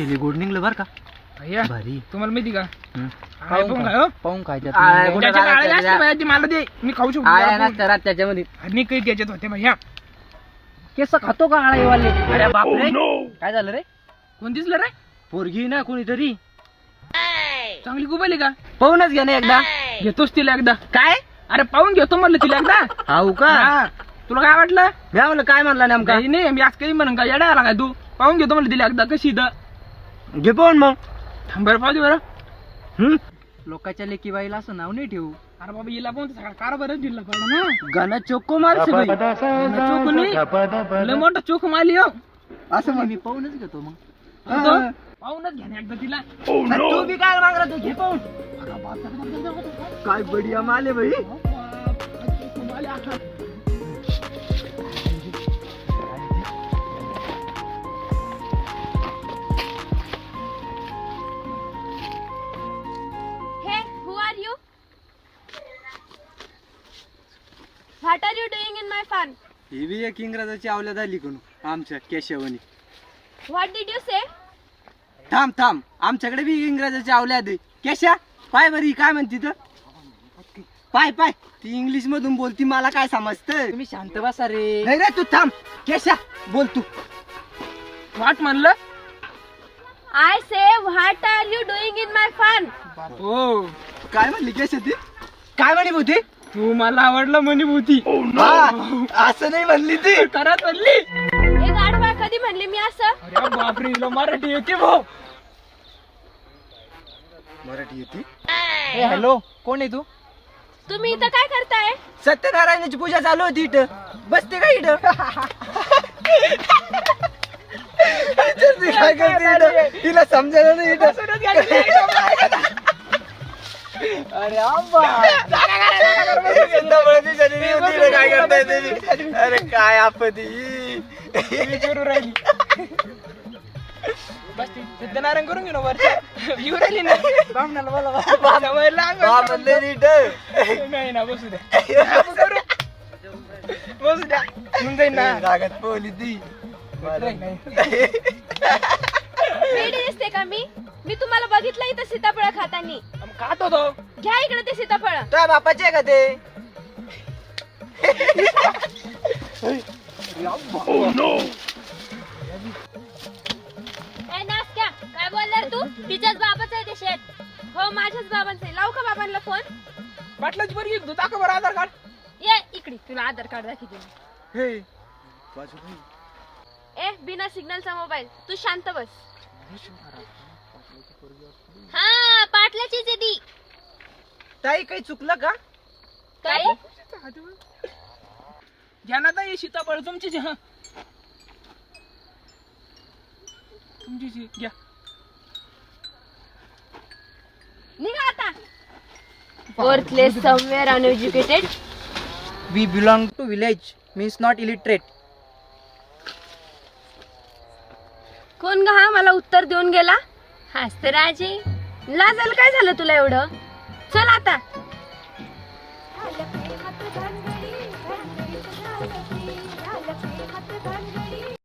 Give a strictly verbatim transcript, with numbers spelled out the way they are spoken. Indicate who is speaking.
Speaker 1: हे गोड निघलं बर का
Speaker 2: भैया
Speaker 1: भारी.
Speaker 2: तुम्हाला माहिती का
Speaker 1: पाहून
Speaker 2: काय हो?
Speaker 1: पाहून काय त्यात
Speaker 3: आ,
Speaker 1: निघलं.
Speaker 2: त्याच्यात आळे असते भैया, ती मला दे मी खाऊ शकतो
Speaker 3: आळ्या
Speaker 2: जरा
Speaker 3: नसतात रात त्याच्यामध्ये.
Speaker 2: पाहून. आणि काही त्याच्यात होते भैया.
Speaker 3: केस खातो का आळेवाले?
Speaker 1: अरे बापरे काय झालं रे
Speaker 2: कोण दिसलं रे?
Speaker 1: पोरगी ना कोणीतरी
Speaker 2: चांगली गुबली का?
Speaker 3: पाहूनच घ्या ना एकदा.
Speaker 2: घेतोच तिला एकदा.
Speaker 3: काय
Speaker 2: अरे पाहून घेतो म्हणलं तिला एकदा.
Speaker 3: हाऊ का?
Speaker 2: हा. तुला काय वाटलं?
Speaker 3: मी म्हणलं काय म्हणला नेमका?
Speaker 2: काही नाही मी आज काही म्हणून का येडा आला काय तू? पाहून घेतो म्हणलं तिला एकदा कशी इथं.
Speaker 3: घे पाहून मग.
Speaker 2: बरं पाहू दे बरं.
Speaker 3: हम्म.
Speaker 1: लोकांच्या लेकी बाईला असं नाव नाही ठेवू.
Speaker 2: अरे बाबा हिला पण सगळा कारभारच दिला पडला ना.
Speaker 3: गाणं चोको मार सगळी.
Speaker 2: चोख नाही लय मोठा चोख मारली हो.
Speaker 1: असं मग मी पाहूनच घेतो मग.
Speaker 2: तो पाहूनच घ्या ना एकदा तिला.
Speaker 3: तू बी काय मागला तू घे पाहून. काय बढिया माले भाई.
Speaker 4: Hey, who are you? What are you doing in my farm?
Speaker 1: ही बी एक इंग्रजाची आवल्या झाली कोण आमच्या केशवनी.
Speaker 4: What did you say?
Speaker 1: थांब थांब आमच्याकडे बी इंग्रजाची आवल्या दे केशा पाय बरी काय म्हणती तर पाय पाय ती इंग्लिश मधून बोलती मला काय समजतं.
Speaker 3: तुम्ही शांत बसा रे.
Speaker 1: नाही रे तू थांब केशा बोल तू.
Speaker 2: वाट म्हणलं.
Speaker 4: I say, what are you doing in my farm?
Speaker 2: हो
Speaker 1: काय म्हणली केशा ती काय म्हणे होती
Speaker 2: तू मला आवडलं म्हणे भूती.
Speaker 1: असं नाही म्हणली ती.
Speaker 2: करत म्हणली.
Speaker 4: एक आडवा कधी म्हणले मी असं?
Speaker 2: अरे बापरे हिला मराठी येते भाऊ.
Speaker 1: मराठी येते.
Speaker 3: ए हॅलो कोण आहे तू?
Speaker 4: तुम्ही इथं काय करताय?
Speaker 1: सत्यनारायणाची पूजा चालू होती इथं बसते का इथं. विचारते काय करते इथं तिला समजायला नाही इथं. अरे आंबा काय करताय तुम्ही? अरे काय आपत्ती
Speaker 2: विचारू राहिली. बस ती सत्यनारायण करून घेऊ ना वरच्या. येऊ राहिली ना बामणाला बोला सवय लागल. नाही ना बसू द्या आपण करू. बसू द्या होऊन जाईल ना.
Speaker 1: रागात पोहली ती.
Speaker 2: नाही, नाही.
Speaker 4: वेडी दिसते का मी? मी तुम्हाला बघितलं इथं सीताफळ खातानी.
Speaker 2: आम्ही खात होतो.
Speaker 4: घ्या इकडे ते सीताफळ.
Speaker 1: तुझ्या बापाचे आहे का ते.
Speaker 4: ए नासक्या काय बोलणार तू? तिच्याच बाबाचं आहे ते शेत. हो माझ्याच बाबांचं आहे. लावू का बाबांना फोन?
Speaker 2: पाटलाची बरं तू दाखव बरं आधार कार्ड.
Speaker 4: ये इकडे तुला आधार कार्ड दाखवते मी.
Speaker 2: हे
Speaker 4: ए बिना सिग्नलचा मोबाईल तू शांत बस. हा पाटलाचीच आहे ती.
Speaker 3: ताई काही चुकलं का?
Speaker 4: काय?
Speaker 2: घ्या ना ताई सीताफळ तुमचीच आहे. हा तुमचीच आहे. घ्या.
Speaker 4: निघा आता. Worthless, somewhere uneducated.
Speaker 3: We belong to village means not illiterate.
Speaker 4: कोण ग हा मला उत्तर देऊन गेला? हास तर राजे लाजायला काय झालं तुला एवढं? चल आता